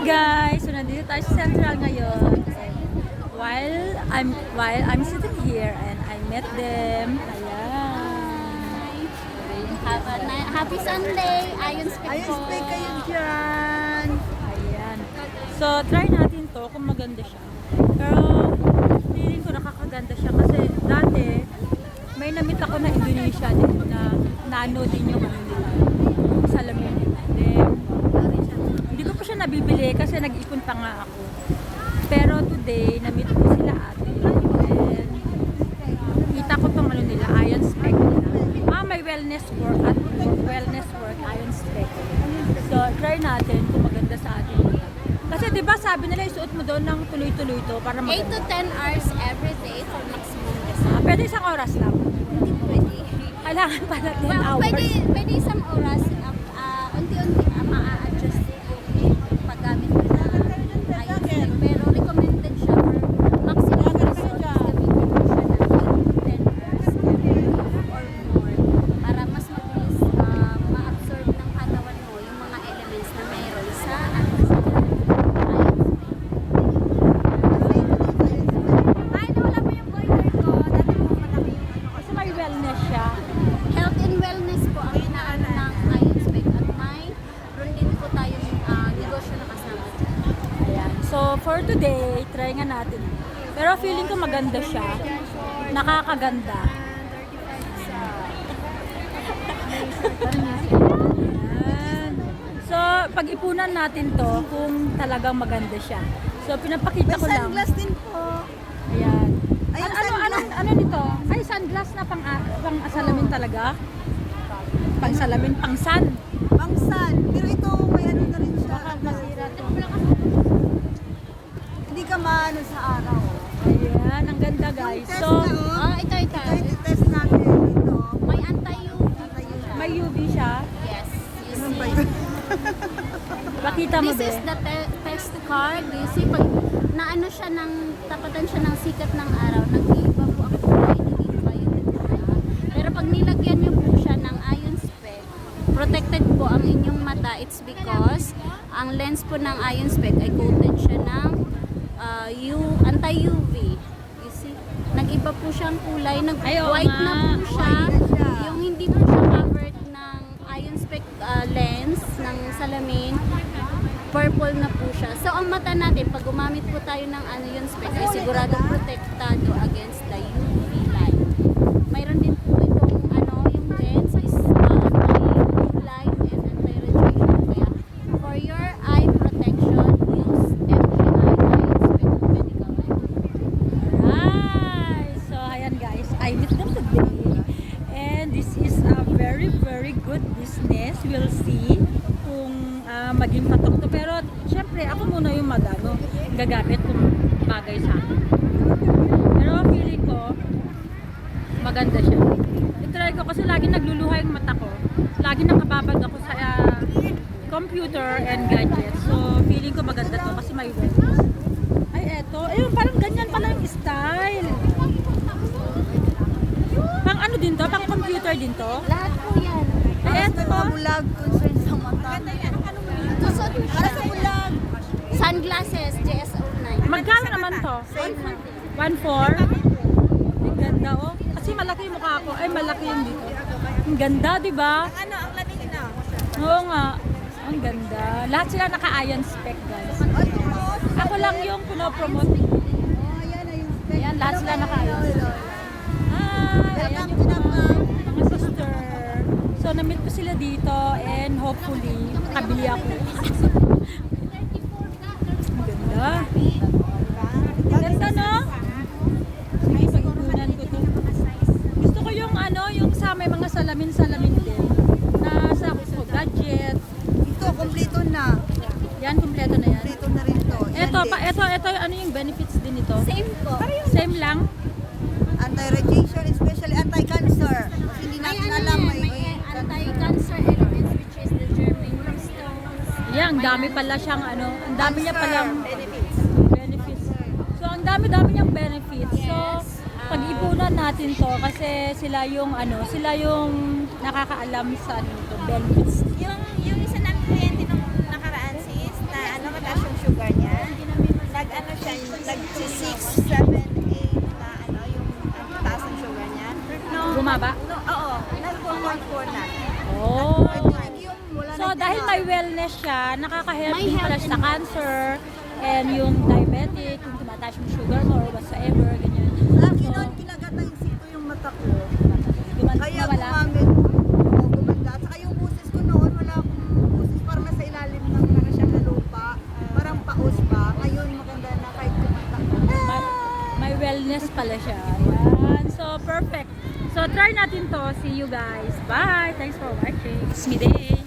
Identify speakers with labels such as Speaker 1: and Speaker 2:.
Speaker 1: Guys, so nandito tayo sa Central ngayon. And while I'm sitting here and I met them. Ayan.
Speaker 2: Happy Sunday! Ayun
Speaker 3: Ayos pa kayo dyan.
Speaker 1: Ayan. So try natin to kung maganda siya. Pero feeling ko nakakaganda siya kasi dati may namit ako na Indonesia din na nano din yung ano nila, yung salamin nila. Then, hindi ko pa siya nabibili kasi nag-ipon pa nga ako. Pero today, namit ko sila ate. And kita ko tong ano nila, iron spec nila. May wellness work, iron spec. So, try natin kung maganda sa atin. Kasi 'di ba sabi nila isuot mo doon ng tuloy-tuloy to para
Speaker 2: 8
Speaker 1: maganda.
Speaker 2: to 10 hours every day for maximum result.
Speaker 1: Pwede isang oras lang.
Speaker 2: Hindi pwede.
Speaker 1: Kailangan pala 10
Speaker 2: Well,
Speaker 1: hours.
Speaker 2: pwede isang oras, unti-unti ma-a-adjust yung paggamit mo na iron spec. Pero recommended siya for maximum result. Gamitin mo siya ng 8 to 10 hours every day or more para mas mabilis ma-absorb ng katawan mo yung mga elements na mayroon sa iron spec. Ay, nawala mo yung boiler ko. Dati mo malaki yung ano.
Speaker 1: Kasi may wellness siya.
Speaker 2: Health and wellness po ang inaano ng iron spec at mayroon din po tayong negosyo na kasama dyan.
Speaker 1: Ayan. So, for today, try nga natin. Pero feeling ko maganda siya. Nakakaganda. Ayan. So, pag-ipunan natin to kung talagang maganda siya. So, pinapakita
Speaker 3: May
Speaker 1: ko lang.
Speaker 3: sunglass din po.
Speaker 1: Ayan.
Speaker 3: Ay, yung
Speaker 1: Ano
Speaker 3: sunglass.
Speaker 1: ano nito? Ay, sunglass na pang salamin talaga. Pang salamin, pang sun.
Speaker 3: Pangsan. Pero ito, may ano na rin siya.
Speaker 1: Masira to.
Speaker 3: Hindi ka maano sa araw.
Speaker 1: Ayan, ang ganda guys.
Speaker 3: Test
Speaker 1: So,
Speaker 3: na, oh.
Speaker 2: Ito.
Speaker 3: Ito, test natin. Ito.
Speaker 2: May anti-UV siya.
Speaker 1: may UV siya.
Speaker 2: Yes, you
Speaker 3: Ano ba
Speaker 2: see.
Speaker 3: yun?
Speaker 1: Bakita mo
Speaker 2: This
Speaker 1: ba?
Speaker 2: is the test card. You see, pag naano siya ng, tapatan siya ng sikat ng araw, nag-iiba po ang kulay, nag-iiba yun. Pero pag nilagyan niyo po siya ng iron spec, protected po ang inyong mata. It's because ang lens po ng iron spec ay coated siya ng anti-UV. You see, nag-iba po siyang kulay,
Speaker 1: Ay, oo
Speaker 2: nag-white
Speaker 1: nga.
Speaker 2: na po siya.
Speaker 3: White na siya.
Speaker 2: Yung hindi po siya covered ng iron spec lens ng salamin, purple na po siya. So, ang mata natin, pag gumamit po tayo ng yun spec, ay siguradong protektado against the UV light. Mayroon din po itong yung lens is anti-UV light and anti-radiation. Kaya, for your eye protection, use FGI iron spec medical eye.
Speaker 1: Alright! So, ayan guys, I met them today. And this is a very, very good business. We'll see kung maging patok to. Pero, syempre, ako muna yung gagamit kung bagay sa akin. Pero, feeling ko, maganda siya. I-try ko kasi lagi nagluluha yung mata ko. Lagi nakababag ako sa computer and gadgets. So, feeling ko maganda to kasi may wellness. Ay, eto. Ayun, parang ganyan pala yung style. Pang ano din to? Pang computer din to?
Speaker 2: Lahat po yan.
Speaker 1: Ay,
Speaker 3: May
Speaker 1: eto.
Speaker 3: mga bulag, concern sa mata.
Speaker 2: Tusot mo
Speaker 3: Para
Speaker 2: siya.
Speaker 3: sa bulag.
Speaker 2: Sunglasses, JS09.
Speaker 1: Magkano naman to? 1.4? Ang ganda, oh. Kasi malaki yung mukha ko. Ay, malaki yung dito. Ang ganda, di ba?
Speaker 3: Ano, ang lamig na.
Speaker 1: Oo nga. Ang ganda. Lahat sila naka-iron spec, guys. Ako lang yung pinopromote.
Speaker 3: Oh, yan na yung spec.
Speaker 1: Ayan, lahat sila naka-iron spec. Ayan yung mga sister. So, na-meet ko sila dito and hopefully, makabili ako. Ang ganda. Ganda, no? Sige, pag-ipunan ko to. Gusto ko yung yung sa may mga salamin-salamin din. Na sa gadget.
Speaker 3: Ito, kompleto na.
Speaker 1: Yan, kumpleto na yan.
Speaker 3: Kompleto na rin to. Yan
Speaker 1: Ito, ano yung benefits din ito?
Speaker 2: Same po.
Speaker 1: Same lang?
Speaker 3: Anti-radiation, especially anti-cancer. Kasi hindi natin alam
Speaker 2: may anti-cancer elements which is the germanium stones.
Speaker 1: Yan, ang dami pala siyang ang dami niya
Speaker 3: Cancer
Speaker 1: palang
Speaker 3: benefits.
Speaker 1: benefits. So, ang dami-dami niyang benefits. So, pag-ipunan natin to kasi sila yung nakakaalam sa benefits.
Speaker 4: Yung isa namin kliyente nung nakaraan sis, na mataas yung
Speaker 3: 7, 8 na ano, yung taas ng sugar niya. No,
Speaker 1: Bumaba?
Speaker 3: no, oo, nasa 2.4 na.
Speaker 1: Oh.
Speaker 3: I think yung mula
Speaker 1: So, dahil may wellness siya, nakaka-help
Speaker 2: May
Speaker 1: din pala
Speaker 2: health
Speaker 1: siya sa cancer and yung diabetic, yung tumataas yung sugar mo or whatsoever, ganyan.
Speaker 3: Sa akin noon, kinagat ng insito yung mata ko. Kaya
Speaker 1: Nawala.
Speaker 3: gumamit. Oo, gumanda. At saka yung busis ko noon, wala akong busis. Parang nasa ilalim ng para siyang lupa. Parang paus pa. Ngayon, maganda na kahit kumata.
Speaker 1: May wellness pala siya. Ayan. So, perfect. So, try natin to. See you guys. Bye! Thanks for watching. It's me day.